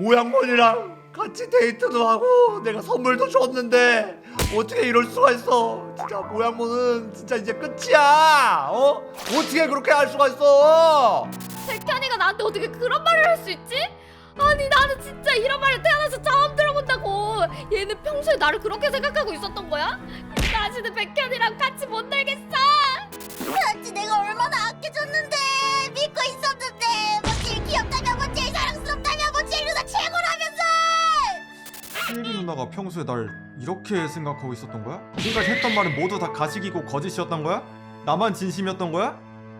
모양몬이랑 같이 데이트도 하고 내가 선물도 줬는데 어떻게 이럴 수가 있어. 진짜 모양몬은 진짜 이제 끝이야. 어떻게 그렇게 할 수가 있어. 백현이가 나한테 어떻게 그런 말을 할 수 있지? 아니 나는 진짜 이런 말을 태어나서 처음 들어본다고. 얘는 평소에 나를 그렇게 생각하고 있었던 거야? 다시는 백현이랑 같이 못 놀겠어. 그렇지, 내가 얼마나 아껴줬는데, 믿고 있었는데, 뭐 제일 귀엽다며, 뭐 제일 사랑스럽다며, 뭐 제일 누나 최고라면서. 시엘이 누나가 평소에 날 이렇게 생각하고 있었던 거야? 지금까지 했던 말은 모두 다 가식이고 거짓이었던 거야? 나만 진심이었던 거야?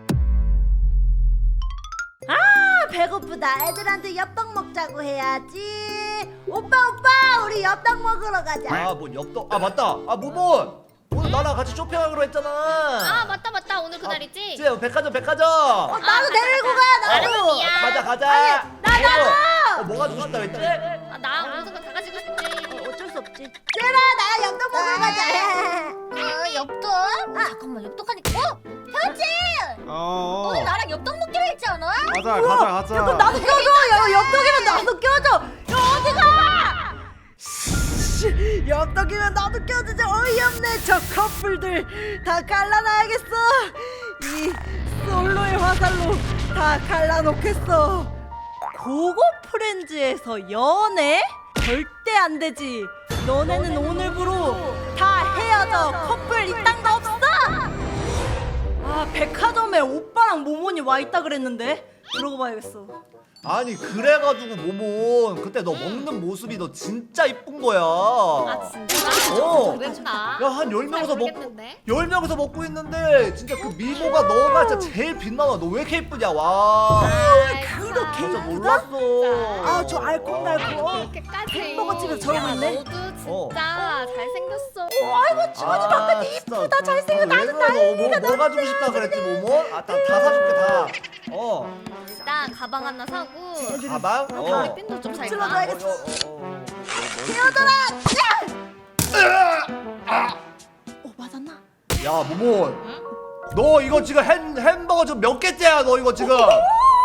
배고프다. 애들한테 엽떡 먹자고 해야지. 오빠 우리 엽떡 먹으러 가자. 뭔 엽떡. 맞다. 모몬 오늘 나랑 같이 쇼핑하기로 했잖아. 아 맞다 오늘 그날이지? 이제 백화점 나도 데리고 가. 나도. 가자. 나도. 뭐 가지고 싶다 했지? 나 모든 거 다 가지고 싶지. 어쩔 수 없지. 쟤라 나 엽떡 먹으러 가자. 엽떡? 잠깐만, 엽떡 하니까. 현진! 오늘 나랑 엽떡 먹기로 했지 않아? 가자. 그럼 나도 껴줘. 엽떡이면 나도 껴줘. 어디가? 엽떡이면 나도 껴주지. 어이없네. 저 커플들 다 갈라놔야겠어. 이 솔로의 화살로 다 갈라놓겠어. 고고 프렌즈에서 연애? 절대 안 되지. 너네는 오늘부로 다 헤어져. 커플 이딴 거 없어. 백화점에 오빠랑 모모니 와 있다 그랬는데 들어가 봐야겠어. 아니 그래가지고 모몬 그때 너 먹는 모습이 너 진짜 이쁜 거야. 진짜? 야 한 10명에서 먹고 있는데 진짜 그 미모가 너가 진짜 제일 빛나와. 너 왜 이렇게 이쁘냐. 와 그렇게 진짜 예쁘다? 몰랐어. 저 알콩달콩 그렇게까지. 햄버거 집에서 저러고 있네. 너도 진짜 잘생겼어. 아이고 주머니 바깥에 이쁘다. 잘생겨. 나는 난리가 뭐 가지고 싶다 그랬지 모몬? 다 사줄게 다. 일단 가방 하나 사고. 가방? 머리핀도 좀 잘 가. 찔러줘야겠어. 헤어져라. 맞았나? 야 모몬 너 이거 지금 햄버거 지금 몇 개째야 너 이거 지금. 뭐야?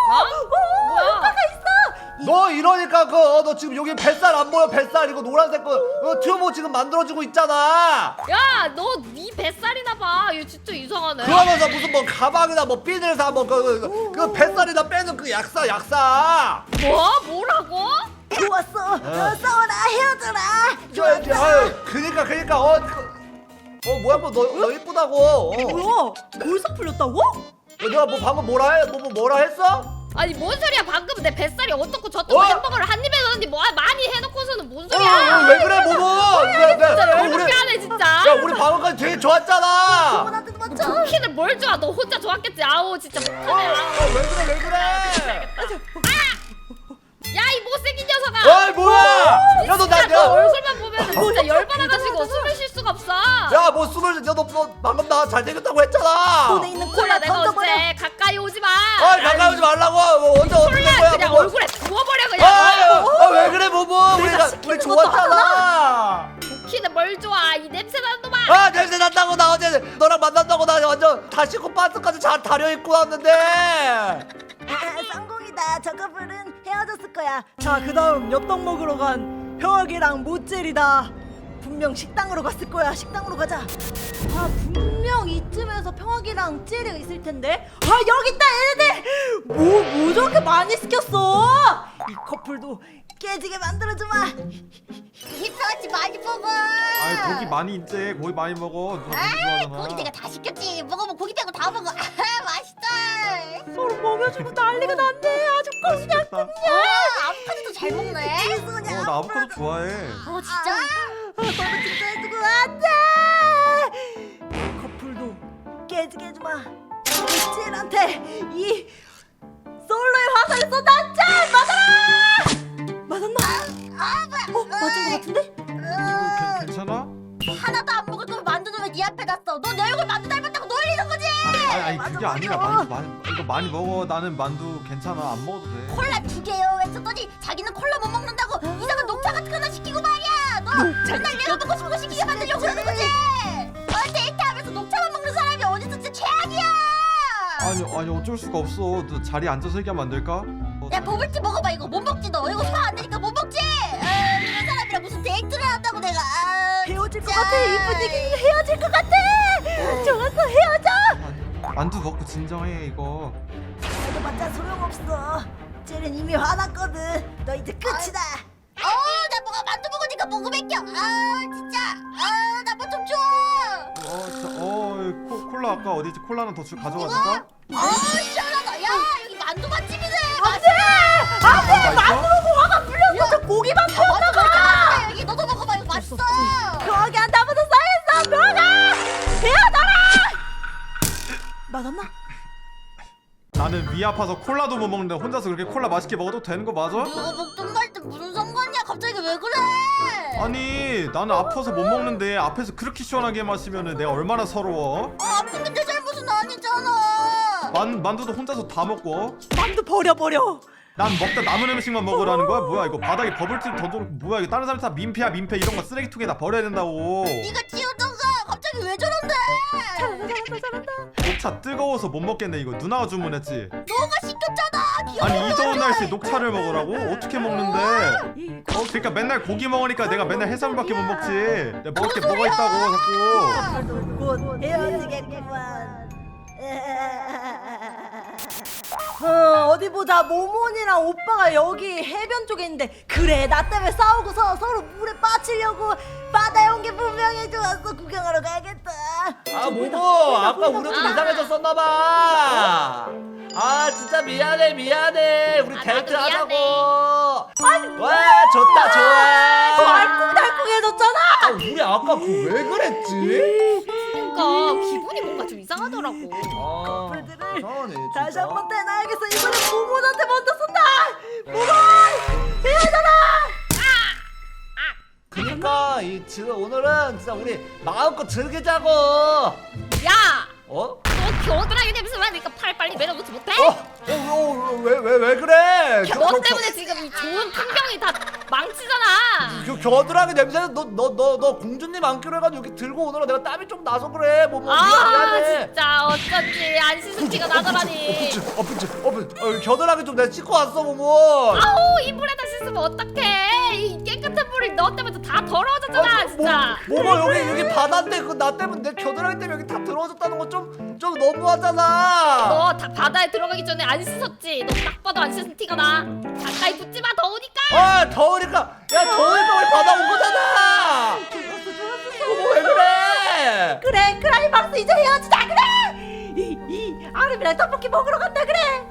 너 이러니까 너 지금 여기 뱃살 안 보여? 뱃살 이거 노란색 거 튜브 지금 만들어지고 있잖아. 야, 너 네 뱃살이나 봐. 얘 진짜 이상하네. 그러면서 무슨 뭐 가방이나 뭐 핀을 사 뭐 그 뱃살이나 빼는 그 약사. 뭐라고? 좋았어. 싸워라. 헤어져라. 그니까 뭐야 너 이쁘다고. 뭐야? 벌써 풀렸다고? 내가 뭐 방금 뭐라 했어? 아니 뭔 소리야? 방금 내 뱃살이 어떻고 저떻고 햄버거를 한 입에 넣었는데 뭐 많이 해놓고서는 뭔 소리야? 왜 그래 모모? 진짜 열받게 하네 진짜. 야 우리 방금까지 되게 좋았잖아. 나한테도 맞춰. 쿠키는 뭘 좋아? 너 혼자 좋았겠지. 아우 진짜 못하네. 왜 그래? 야 이 못생긴 녀석아. 뭐야? 야 너 너 얼굴만 보면 진짜 열받아가지고 숨을 쉴 수가 없어. 야 뭐 숨을 너 방금 나 잘생겼다고 했잖아. 손에 있는 콜라 콜라 내가 던져버려. 어제 가까이 오지 마. 가까이 오지 말라고. 언제 어떻게 된 콜라 거야? 그냥 뭐. 얼굴에 부어버려 그냥. 왜 그래 모모? 우리 좋았잖아. 쿠키는 뭘 좋아? 이 냄새 나는 놈아. 냄새 난다고. 나 어제 너랑 만난다고 나 완전 다 씻고 반스까지 잘 다려 입고 왔는데. 성공이다. 저 커플은 헤어졌을 거야. 자, 그다음 엽떡 먹으러 간 혁이랑 모젤이다. 분명 식당으로 갔을 거야. 식당으로 가자. 분명 이쯤에서 평학이랑 찌리가 있을 텐데. 여기 있다 얘네들. 뭐 저렇게 많이 시켰어? 이 커플도 깨지게 만들어주마. 힘들었지 많이 먹어. 고기 많이 있지. 고기 많이 먹어. 누나 고기 좋아하잖아. 고기 내가 다 시켰지. 먹으면 고기 빼고 다 먹어. 맛있다. 서로 먹여주고 난리가 났네. 아주 맛있겠다. 아보카도도 잘 먹네. 나 아보카도 좋아해. 진짜? 서로 진짜 해주고 안돼. 커플도 깨지게 해주마. 찌한테 이 솔로의 화살을 쏟았자. 맞았나? 맞은 거 같은데? 괜찮아? 하나도 안 먹을 거면 만두는 왜 네 앞에 놨어? 너 내 얼굴 만두 닮았다고 놀리는 거지? 아니 그게 아니라 만두 이거 많이 먹어. 나는 만두 괜찮아. 안 먹어도 돼. 콜라 2개요 했었더니 자기는 콜라 못 먹는다고 이상한 녹차 같은 거 하나 시키고 말이야. 너 맨날 내가 먹고 싶은 거 시키게 만들려고 그러는 거지? 데이트하면서 녹차만 먹는 사람이 어디서 진짜 최악이야. 아니 어쩔 수가 없어. 너 자리에 앉아서 얘기하면 안 될까? 야 버블티 먹어봐. 이거 못 먹지 너. 이거 소화 안 되니까 못 같아. 이 분위기는 헤어질 것 같아. 좋았어, 헤어져. 만두 먹고 진정해 이거. 헤어져봤자 소용없어. 쟤는 이미 화났거든. 너 이제 끝이다. 나 뭐가 만두 먹으니까 목이 맥혀. 진짜. 나 뭐 좀 줘. 콜라 아까 어디지? 콜라 하나 더 가져가 줄까? 시원하다. 야, 여기 만두 맛집이네. 안돼, 만두 먹고 화가 풀렸어. 저 고기만 풀었나봐. 여기 너도 먹어봐. 이거 맛있어. 병아기한테 아무도 쌓였어. 병아, 헤어져라. 맞았나? 나는 위 아파서 콜라도 못 먹는데 혼자서 그렇게 콜라 맛있게 먹어도 되는 거 맞아? 누가 먹던 말때 무슨 상관이야? 갑자기 왜 그래? 아니 나는 아파서 못 먹는데 앞에서 그렇게 시원하게 마시면은 내가 얼마나 서러워? 아픈데 내 잘못은 아니잖아. 만두도 혼자서 다 먹고 만두 버려. 난 먹다 남은 음식만 먹으라는 거야? 뭐야 이거 바닥에 버블티 던져놓고 뭐야 이거 다른 사람 다 민폐야 민폐 이런 거 쓰레기통에다 버려야 된다고. 네가 치우던가. 갑자기 왜 저런데? 잘한다. 녹차 뜨거워서 못 먹겠네 이거 누나가 주문했지. 너가 시켰잖아. 귀여워. 아니 이 더운 날씨에 녹차를 먹으라고? 어떻게 먹는데? 그러니까 맨날 고기 먹으니까 내가 맨날 해산물밖에 못 먹지. 내가 먹을 게 뭐가 있다고 자꾸. 곧 헤어지겠구만. 어디 보자. 모몬이랑 오빠가 여기 해변 쪽에 있는데, 그래 나 때문에 싸우고서 서로 물에 빠지려고 바다에 온 게 분명히 좋았어. 구경하러 가야겠다. 모모 아까 우리 좀 이상해졌었나봐. 진짜 미안해. 우리 나도 데이트 미안해. 하자고. 와 좋다 좋아. 더 알콩달콩해졌잖아. 우리 아까 그 왜 그랬지? 그러니까 기분이 뭔가 좀 이상하더라고. 커플들을 이상하네, 다시 진짜. 한번 떼놔야겠어. 이번엔 모몬한테 먼저 쏜다. 모몬, 헤어져라. 그니까 지금 오늘은 진짜 우리 마음껏 즐기자고. 야, 어? 너 겨드랑이 냄새 나니까 팔 빨리 내려놓지 못해? 왜 그래? 너 때문에 지금 이 좋은 풍경이 다 망치잖아. 겨드랑이 냄새는 너 공주님 안기로 해가지고 여기 들고 오느라 내가 땀이 좀 나서 그래. 뭐 아 미안해. 진짜 어쩐지 안 씻은 티가 나더라니. 겨드랑이 좀 내가 씻고 왔어 모모. 아우 이 물에다 씻으면 어떡해. 이 깨끗한 물이 너 때문에 다 더러워졌잖아 진짜. 모모 여기 바다인데 그 나 때문에 내 겨드랑이 때문에 여기 다 들어졌다는 거 좀 너무하잖아. 너 다 바다에 들어가기 전에 안 씻었지? 너 딱 봐도 안 씻은 티가 나. 가까이 붙지 마 더우니까. 더우니까 우리 바다 온 거잖아. 모모 왜 그래? 그래, 클라이막스 이제 헤어지자. 그래. 이 아름이랑 떡볶이 먹으러 간다. 그래.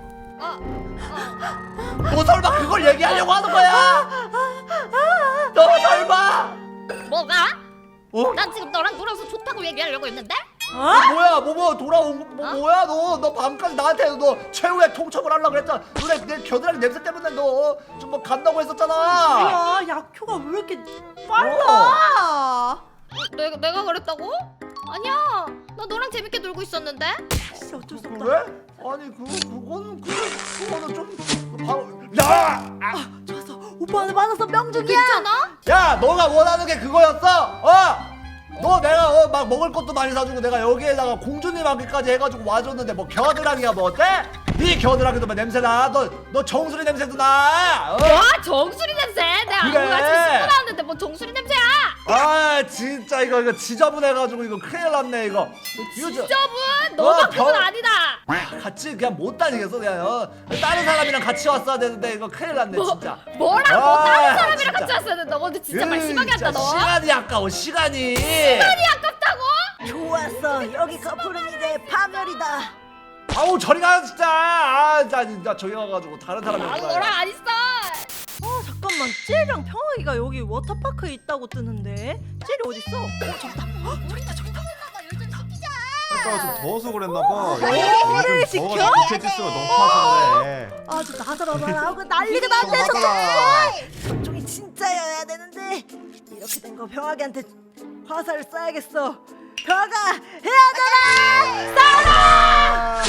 너 설마 그걸 얘기하려고 하는 거야? 너 설마? 뭐가? 어? 난 지금 너랑 놀아서 좋다고 얘기하려고 했는데? 뭐야 모모 돌아온 거 뭐야 너 밤까지 나한테 너 최후의 통첩을 하려고 그랬잖아. 내 겨드랑이 냄새 때문에 너 좀 뭐 간다고 했었잖아. 야, 약효가 왜 이렇게 빨라? 내가 그랬다고? 아니야. 나 너랑 재밌게 놀고 있었는데. 진짜 어쩔 수 없다. 그래? 아니 그거는 좀 바로 야! 좋았어. 오빠한테 맞아서 명중이야. 괜찮아? 야 너가 원하는 게 그거였어? 너 내가 막 먹을 것도 많이 사주고 내가 여기에다가 공주님 하기까지 해가지고 와줬는데 뭐 겨드랑이가 뭐 어때? 네 겨드랑이도 뭐 냄새나. 너 정수리 냄새도 나. 와 정수리 냄새. 내가 그래. 오늘 아침에 씻고 나왔는데 뭐 정수리 냄새야. 진짜 이거 지저분해가지고 이거 큰일 났네 이거. 지저분. 너만큼은 아니다. 같이 그냥 못 다니겠어 그냥. 다른 사람이랑 같이 왔어야 되는데 이거 큰일 났네 진짜. 뭐라고 다른 사람이랑 진짜. 같이 왔어야 된다. 너 근데 진짜 말 심하게 한다 너. 시간이 아까워 시간이. 시간이 아깝다고? 좋았어. 여기 커플은 이제 파멸이다. 아우 저리 가 진짜. 진짜 저기 가가지고 다른 사람이랑 아 놀아요. 너랑 안 있어. 잠깐만, 젤이랑 평화기가 여기 워터파크에 있다고 뜨는데 젤이 어딨어? 저기다. 저기 있다. 아까 좀 더워서 그랬나봐. 이거를 요즘 시켜? 더워서 부채지수가 높아서 그래. 아주 나서라만 하고 난리가 났네. 저쪽이 진짜여야 되는데 이렇게 된 거 평화기한테 화살을 쏴야겠어. 평화가 헤어져라. 싸워라.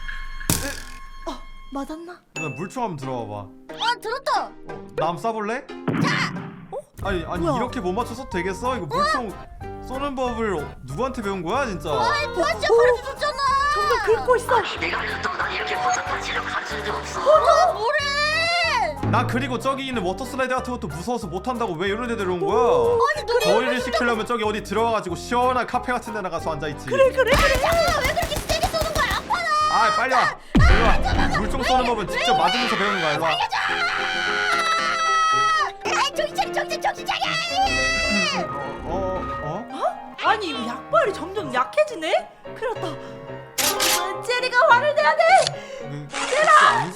맞았나? 누나 물총 한번 들어와봐. 들었다. 나 한번 쏴볼래? 아니 뭐야? 이렇게 못 맞춰서 되겠어? 이거 물총 쏘는 법을 누구한테 배운 거야 진짜? 진짜 가르쳐줬잖아. 정말 긁고 있어. 너 뭐래? 나 그리고 저기 있는 워터슬라이드 같은 것도 무서워서 못한다고 왜 이런 데 데려온 거야? 아니 놀이 더위를 식히려면 저기 어디 들어가가지고 시원한 카페 같은 데 나가서 앉아있지. 그래. 왜 그렇게 세게 쏘는 거야? 아파라. 아 빨리 와. 일로 와. 물총 쏘는 법은 직접 맞으면서 배우는 거야. 일로 와. 아 정신 차려. 아니 이거 약발이 점점 약해지네? 큰일 났다. 제리가 화를 내야 돼. 그게 아니지.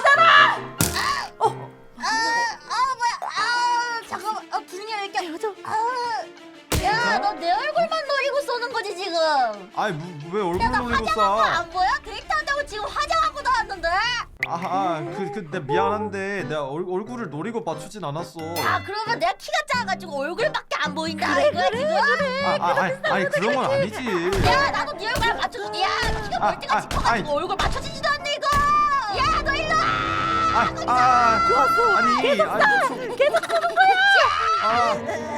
뭐야? 잠깐만. 분위기 왜 이렇게 야, 너 내 얼굴만 노리고 쏘는 거지 지금. 아니 왜 얼굴 야, 나 놀리고 화장한 거 쏴? 안 보여? 데이트한다고 지금 화장하고 나왔는데. 내 미안한데 내가 얼굴을 노리고 맞추진 않았어. 야, 그러면 내가 키가 작아가지고 얼굴밖에 안 보인다 이거야 지금? 아니 그런 건 아니지. 야, 나도 네 얼굴 맞춰줄게. 야, 너 키가 멀티가 짚어가지고 얼굴 맞춰지지도 않네 이거. 야, 너 일로 와. 좋았어. 아니 계속 쏘는 거야.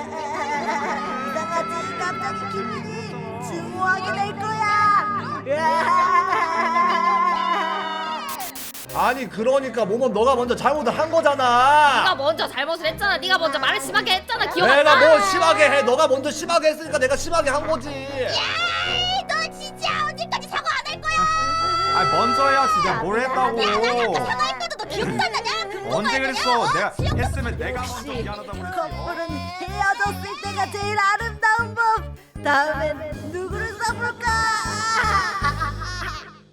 이상하지? 갑자기 기분이 증오하게 될 거야. 아니 그러니까 모범 너가 먼저 잘못을 한 네가 거잖아. 먼저 잘못을 했잖아. 네가 먼저 말을 심하게 했잖아. 기억 안 내가 나? 뭐 심하게 해? 너가 먼저 심하게 했으니까 내가 심하게 한 거지. 너 진짜 언제까지 사과 안 할 거야? 먼저 해야지. 내가 뭘 했다고. 내가 사과했거든. 너 기억도 안 나냐? 언제 그랬어? 내가 했으면 내가 먼저 미안하다고 그랬지. 커플은 헤어졌을 때가 제일 아름다운 법. 다음엔 누구를 써볼까?